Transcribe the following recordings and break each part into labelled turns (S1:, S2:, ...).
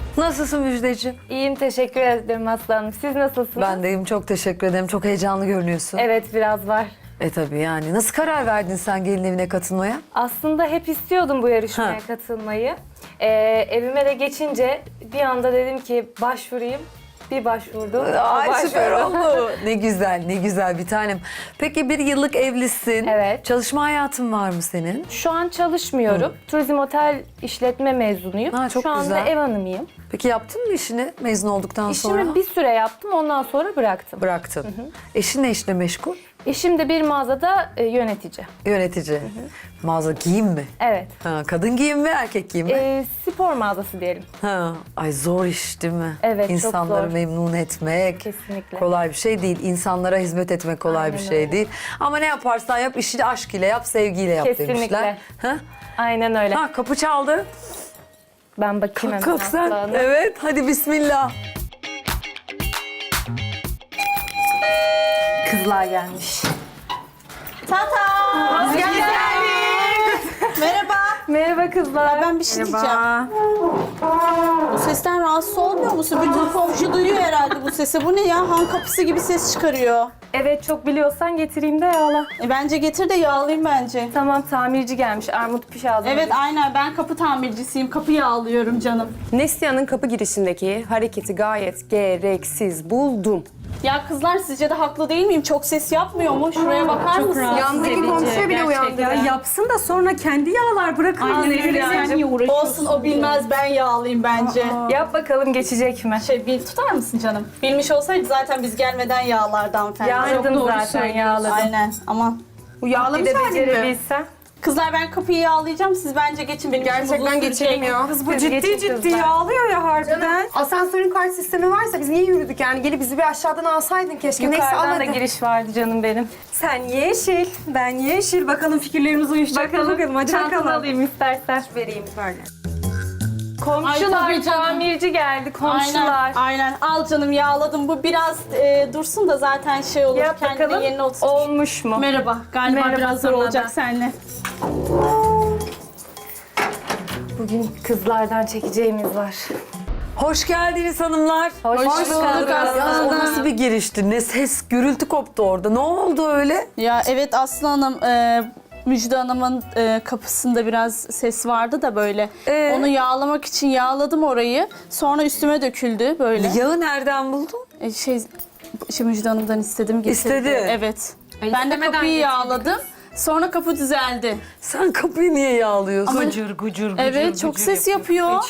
S1: Nasılsın Müjdeciğim?
S2: İyiyim, teşekkür ederim Aslı Hanım. Siz nasılsınız?
S1: Ben deyim, çok teşekkür ederim. Çok heyecanlı görünüyorsun.
S2: Evet, biraz var.
S1: Tabii yani. Nasıl karar verdin sen gelin evine katılmaya?
S2: Aslında hep istiyordum bu yarışmaya
S1: Ha.
S2: katılmayı. Evime de geçince bir anda dedim ki başvurayım. Bir başvurdum.
S1: Ay süper
S2: başvurdum.
S1: oldu. Ne güzel, ne güzel bir tanem. Peki bir yıllık evlisin.
S2: Evet.
S1: Çalışma hayatın var mı senin?
S2: Şu an çalışmıyorum. Turizm otel işletme mezunuyum.
S1: Ha, çok
S2: Şu anda
S1: güzel.
S2: ev hanımıyım.
S1: Peki yaptın mı işini mezun olduktan sonra?
S2: İşimi bir süre yaptım, ondan sonra bıraktım.
S1: Bıraktın. Eşin ne işle meşgul?
S2: Eşim de bir mağazada yönetici.
S1: Yönetici. Mağaza giyim mi?
S2: Evet.
S1: Ha, kadın giyim mi, erkek giyim mi?
S2: Spor mağazası diyelim.
S1: Ha, ay zor iş değil mi?
S2: Evet, çok
S1: İnsanları
S2: zor.
S1: memnun etmek
S2: Kesinlikle.
S1: kolay bir şey değil. İnsanlara hizmet etmek kolay bir
S2: Aynen
S1: şey
S2: öyle.
S1: değil. Ama ne yaparsan yap, işi aşk ile yap, sevgiyle yap
S2: Kesinlikle.
S1: demişler. Ha?
S2: Aynen öyle.
S1: Ha, kapı çaldı.
S2: Ben bakayım hemen
S1: Kalk sen.
S2: Aslı Hanım.
S1: Evet, hadi bismillah.
S2: Kızlar gelmiş.
S3: Tata! Hoş geldin. Merhaba.
S2: Merhaba kızlar.
S3: Ben bir şey diyeceğim. Bu sesten rahatsız olmuyor musun? Bütün komşu duyuyor herhalde bu sesi. Bu ne ya? Han kapısı gibi ses çıkarıyor.
S2: Evet, çok biliyorsan getireyim de yağla.
S3: Bence getir de yağlayayım bence.
S2: Tamam, tamirci gelmiş. Armut piş ağzına.
S3: Evet aynen, ben kapı tamircisiyim. Kapı yağlıyorum canım.
S4: Neslihan'ın kapı girişindeki hareketi gayet gereksiz buldum.
S3: Ya kızlar, sizce de haklı değil miyim? Çok ses yapmıyor mu? Şuraya bakar mısınız?
S5: Yandaki komşuya bile uyandı ya. Yapsın da sonra kendi yağlar, bırakın.
S3: Aynen
S5: Aynen
S3: öyle. Sen niye uğraşıyorsun? Olsun, o bilmez, ben yağlayayım bence.
S2: Yap bakalım, geçecek mi?
S3: Tutar mısın canım? Bilmiş olsaydı zaten biz gelmeden yağlardı hanımefendi.
S2: Yağladın
S3: Çok doğru
S2: zaten,
S3: söylüyorsun.
S2: yağladım.
S3: Aynen, aman.
S5: Bu
S2: Bir
S5: yağlamış
S2: de
S5: halin mi?
S2: becerebilsen.
S3: Kızlar, ben kapıyı yağlayacağım. Siz bence geçin. Benim işim uzun
S5: Gerçekten
S3: sürecek.
S5: geçelim ya. Kız bu
S2: Kız
S5: ciddi
S2: geçin
S5: ciddi
S2: kızlar.
S5: yağlıyor ya harbiden. Asansörün kart sistemi varsa biz niye yürüdük yani? Gelip bizi bir aşağıdan alsaydın keşke. Neyse
S2: Yukarıdan da
S5: almadı.
S2: giriş vardı canım benim.
S5: Sen yeşil, ben yeşil. Bakalım fikirlerimiz uyuşacak mı? Bakalım. Hadi
S2: Çantanı
S5: bakalım.
S2: alayım istersen.
S5: Vereyim böyle.
S2: Komşular,
S3: Ay, tabii canım.
S2: tamirci geldi, komşular.
S3: Aynen, aynen. Al canım, yağladım. Bu biraz dursun da zaten şey olur.
S2: Yap
S3: Kendine
S2: bakalım,
S3: yerine oturur.
S2: olmuş mu?
S3: Merhaba. Galiba
S2: Merhaba
S3: biraz zor
S2: sana
S3: olacak
S2: da.
S3: seninle.
S2: Bugün kızlardan çekeceğimiz var.
S1: Hoş geldiniz hanımlar.
S2: Hoş
S3: bulduk
S1: Ya, o nasıl bir girişti? Ne ses, gürültü koptu orada. Ne oldu öyle?
S3: Ya evet, Aslı Hanım, Müjde Hanım'ın kapısında biraz ses vardı da böyle. Onu yağlamak için yağladım orayı. Sonra üstüme döküldü böyle.
S1: Yağı nereden buldun?
S3: Müjde Hanım'dan istedim, getirdi.
S1: İstedi.
S3: Evet. Ben de kapıyı yağladım. Sonra kapı düzeldi.
S1: Sen kapıyı niye yağlıyorsun?
S3: Evet, çok ses yapıyor.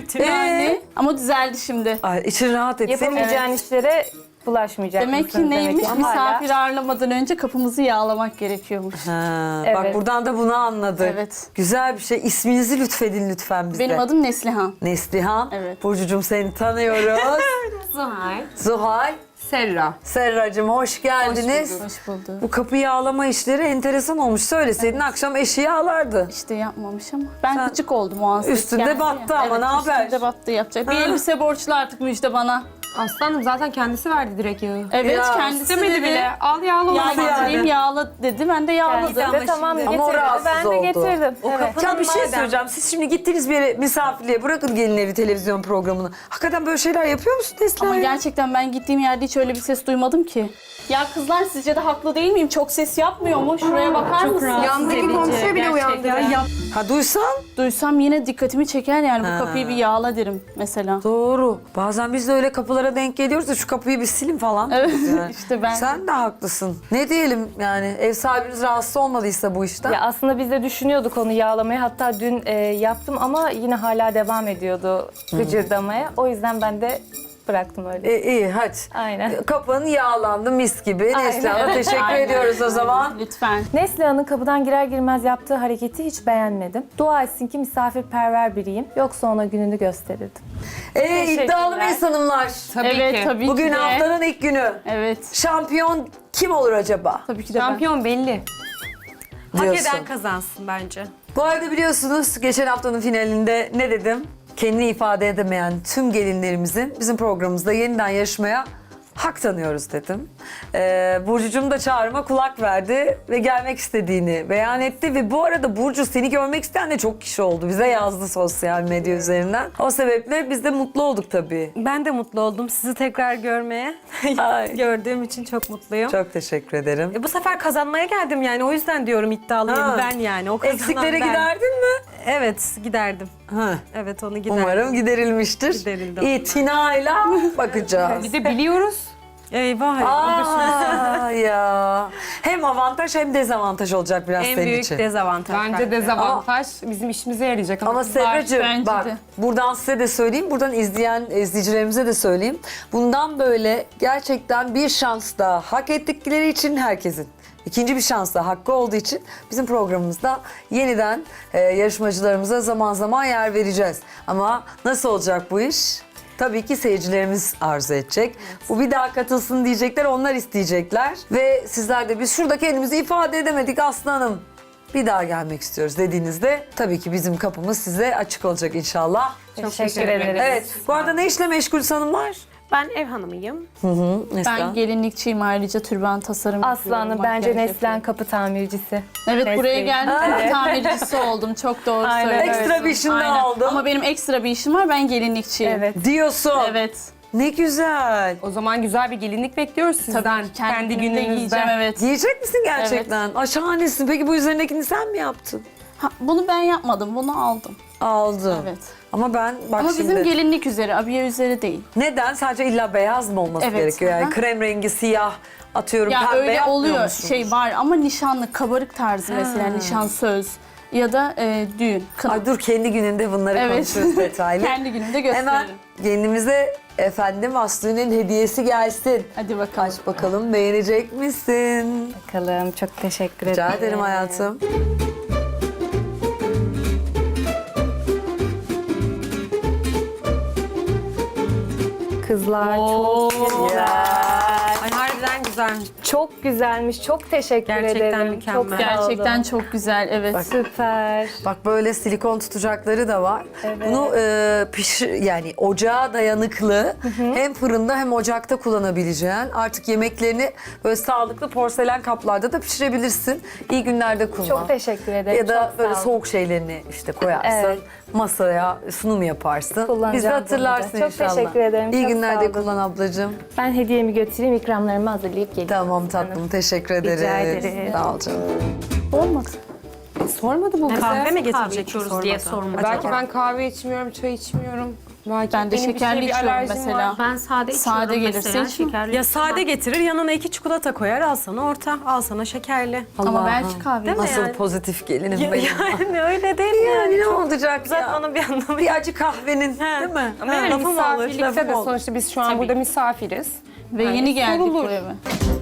S3: Yani. Ama düzeldi şimdi.
S1: Ay, için rahat etsin.
S2: Yapamayacağın işlere bulaşmayacak
S3: Demek
S2: mısın?
S3: ki neymiş?
S2: Hala-
S3: Misafir ağırlamadan önce kapımızı yağlamak gerekiyormuş.
S1: Ha,
S2: Evet.
S1: Bak buradan da bunu anladık.
S3: Evet.
S1: Güzel bir şey. İsminizi lütfedin lütfen bize.
S3: Benim adım Neslihan.
S1: Neslihan.
S3: Evet.
S1: Burcucuğum, seni tanıyoruz.
S5: Zuhal.
S1: Zuhal.
S5: Serra.
S1: Serracığım, hoş geldiniz.
S3: Hoş bulduk.
S1: Bu kapı yağlama işleri enteresan olmuş. Söyleseydin akşam eşi yağlardı.
S3: İşte yapmamış ama. Ben gıcık oldum o an. ses
S1: Üstünde
S3: geldi
S1: battı
S3: ya.
S1: ama
S3: Evet,
S1: ne haber?
S3: Üstünde battı, yapacak. Bir elbise borçlu artık Müjde bana.
S5: Aslanım zaten kendisi verdi direkt yağı.
S3: Evet,
S1: Ya,
S3: kendisi
S5: İstemedi
S3: dedi.
S5: bile. Al yağla o
S3: Ya
S5: zaman.
S3: getireyim, yağla dedi. Ben de yağladım.
S2: Kendisi de tamam
S1: Ama o
S2: getirdi.
S1: rahatsız
S2: Ben de
S1: oldu.
S2: getirdim. Evet.
S1: Ya bir şey söyleyeceğim. Siz şimdi gittiniz bir yere misafirliğe. Bırakın gelin evi televizyon programını. Hakikaten böyle şeyler yapıyor musun Neslihan?
S3: Ama gerçekten ben gittiğim yerde hiç öyle bir ses duymadım ki. Ya kızlar, sizce de haklı değil miyim? Çok ses yapmıyor mu? Şuraya bakar mısınız?
S5: Yandaki komşuya bile uyandı ya.
S1: Ha, duysan?
S3: Duysam yine dikkatimi çeker yani. Bu kapıyı bir yağla derim mesela.
S1: Doğru. Bazen biz de öyle kapılara denk geliyoruz da şu kapıyı bir silin falan.
S3: Evet,
S1: diyoruz yani.
S3: işte ben-
S1: Sen de haklısın. Ne diyelim yani, ev sahibiniz rahatsız olmadıysa bu işten.
S2: Ya aslında biz de düşünüyorduk onu yağlamayı. Hatta dün yaptım ama yine hala devam ediyordu gıcırdamaya. O yüzden ben de bıraktım öyle.
S1: İyi hadi.
S2: Aynen.
S1: Kapın yağlandı mis gibi.
S2: Aynen.
S1: Neslihan'a teşekkür
S3: Aynen.
S1: ediyoruz o zaman.
S3: Lütfen.
S2: Neslihan'ın kapıdan girer girmez yaptığı hareketi hiç beğenmedim. Dua etsin ki misafirperver biriyim. Yoksa ona gününü gösterirdim.
S1: İddialı
S2: Teşekkürler.
S1: mıyız hanımlar?
S3: Evet, tabii
S1: Bugün
S3: ki de.
S1: haftanın ilk günü.
S3: Evet.
S1: Şampiyon kim olur acaba?
S3: Tabii ki de ben.
S5: Şampiyon belli. Hak
S1: Diyorsun.
S5: eden kazansın bence.
S1: Bu arada biliyorsunuz geçen haftanın finalinde ne dedim? Kendini ifade edemeyen tüm gelinlerimizin bizim programımızda yeniden yarışmaya hak tanıyoruz dedim. Burcu'cum da çağrıma kulak verdi ve gelmek istediğini beyan etti. Ve bu arada Burcu seni görmek isteyen de çok kişi oldu. Bize yazdı sosyal medya üzerinden. O sebeple biz de mutlu olduk tabii.
S6: Ben de mutlu oldum sizi tekrar görmeye.
S1: Ay.
S6: Gördüğüm için çok mutluyum.
S1: Çok teşekkür ederim.
S6: Bu sefer kazanmaya geldim yani. O yüzden diyorum iddialıyım
S1: Ha.
S6: ben yani. O kazanan
S1: Eksiklere
S6: ben.
S1: giderdin mi?
S6: Evet giderdim.
S1: Ha.
S6: Evet onu giderdim.
S1: Umarım giderilmiştir.
S6: Giderildi.
S1: İtinayla bakacağız.
S4: Bir de biliyoruz.
S6: Eyvah.
S1: Aa ya. Hem avantaj hem dezavantaj olacak biraz
S6: En
S1: senin
S6: büyük
S1: için.
S6: dezavantaj.
S4: Bence dezavantaj bizim işimize yarayacak.
S1: Ama Serracığım
S3: bence
S1: bak
S3: de.
S1: buradan size de söyleyeyim, buradan izleyen izleyicilerimize de söyleyeyim. Bundan böyle gerçekten bir şans daha hak ettikleri için herkesin. İkinci bir şans daha hakkı olduğu için bizim programımızda yeniden yarışmacılarımıza zaman zaman yer vereceğiz. Ama nasıl olacak bu iş? Tabii ki seyircilerimiz arzu edecek. Bu bir daha katılsın diyecekler, onlar isteyecekler. Ve sizler de biz şurada kendimizi ifade edemedik Aslı Hanım. Bir daha gelmek istiyoruz dediğinizde tabii ki bizim kapımız size açık olacak inşallah.
S2: Teşekkür ederiz.
S1: Evet. Bu arada ne işle meşgul hanımlar?
S6: Ben ev hanımıyım.
S3: Ben gelinlikçiyim, ayrıca türban tasarım
S2: Aslanım
S3: yapıyorum,
S2: bence
S3: makyaj
S2: Neslihan
S3: yapıyorum.
S2: kapı tamircisi.
S3: Evet, buraya
S2: Mesleği.
S3: geldim, kapı tamircisi oldum. Çok doğru
S2: Aynen
S3: söylüyorsun.
S1: Ekstra bir işin daha oldu.
S3: Ama benim ekstra bir işim var, ben gelinlikçiyim.
S2: Evet.
S1: Diyorsun.
S3: Evet.
S1: Ne güzel.
S4: O zaman güzel bir gelinlik bekliyoruz sizden.
S3: Tabii ki kendi
S4: gününüzde.
S3: günümde giyeceğim, evet.
S1: Giyecek misin gerçekten? Ay şahanesin. Peki bu üzerindekini sen mi yaptın?
S3: Ha, bunu ben yapmadım, bunu aldım.
S1: Aldım.
S3: Evet.
S1: Ama ben bak
S3: Ama
S1: şimdi...
S3: bizim gelinlik üzeri, abiye üzeri değil.
S1: Neden? Sadece illa beyaz mı olması
S3: Evet,
S1: gerekiyor? Yani
S3: aha.
S1: krem rengi, siyah, atıyorum
S3: Ya
S1: pembe
S3: öyle
S1: yapmıyor
S3: oluyor,
S1: musunuz?
S3: şey var ama nişanlı, kabarık tarzı mesela, nişan söz ya da düğün, kına.
S1: Ay dur kendi gününde bunları
S3: Evet.
S1: konuşuruz detaylı.
S3: Kendi günümde gösteririm.
S1: Hemen gelinimize efendim Aslı'nın hediyesi gelsin.
S3: Hadi bakalım.
S1: Aç bakalım beğenecek misin?
S2: Bakalım çok teşekkür ederim.
S1: Rica ederim hayatım.
S2: Kızlar çok
S6: Ay harbiden güzelmiş.
S2: çok güzelmiş. Çok teşekkür
S6: Gerçekten
S2: ederim.
S6: mükemmel.
S2: Çok sağ olun.
S3: Gerçekten çok güzel, evet.
S2: Süper.
S1: Bak böyle silikon tutacakları da var.
S2: Evet.
S1: Bunu yani ocağa dayanıklı hem fırında hem ocakta kullanabileceğin artık yemeklerini böyle sağlıklı porselen kaplarda da pişirebilirsin. İyi günlerde kullan.
S2: Çok teşekkür ederim.
S1: Ya da
S2: Çok
S1: böyle
S2: sağ olun.
S1: soğuk şeylerini işte koyarsın.
S2: Evet.
S1: Masaya sunum yaparsın.
S2: Kullanacağım
S1: Biz de
S2: bunu da.
S1: hatırlarsın
S2: Çok
S1: inşallah.
S2: teşekkür ederim,
S1: İyi
S2: çok
S1: günlerde
S2: sağ olun.
S1: kullan ablacığım.
S2: Ben hediyemi götüreyim, ikramlarımı hazırlayıp geleyim.
S1: Tamam tatlım teşekkür ederiz.
S2: ederiz.
S1: Sağ ol canım.
S3: Olmadı.
S4: Sormadı bu bize.
S6: Kahve mi getirecek diye sormadı.
S4: Belki ben kahve içmiyorum, çay içmiyorum. Belki
S3: Ben de
S4: benim bir
S3: şekerli
S4: şeye bir
S3: içiyorum
S4: alerjim
S3: mesela.
S4: var.
S7: Ben sade içiyorum
S3: Sade gelirse
S7: mesela.
S3: içmem.
S7: Şekerli
S6: Ya sade getirir yanına 2 çikolata koyar al sana orta al sana şekerli.
S3: Ama belki kahve.
S6: Değil mi?
S1: Nasıl
S6: yani?
S1: pozitif gelinim benim.
S6: Yani öyle değil mi
S1: Yani
S6: yani?
S1: ne olacak
S6: Zaten
S1: ya?
S6: onun bir anlamı
S1: Bir acı kahvenin değil mi?
S6: Ama yani lafım olur,
S4: Misafirlikte
S6: lafım
S4: de
S6: olur.
S4: sonuçta biz şu an burada misafiriz.
S3: Ve yeni geldik
S4: sorulur.
S3: bu eve.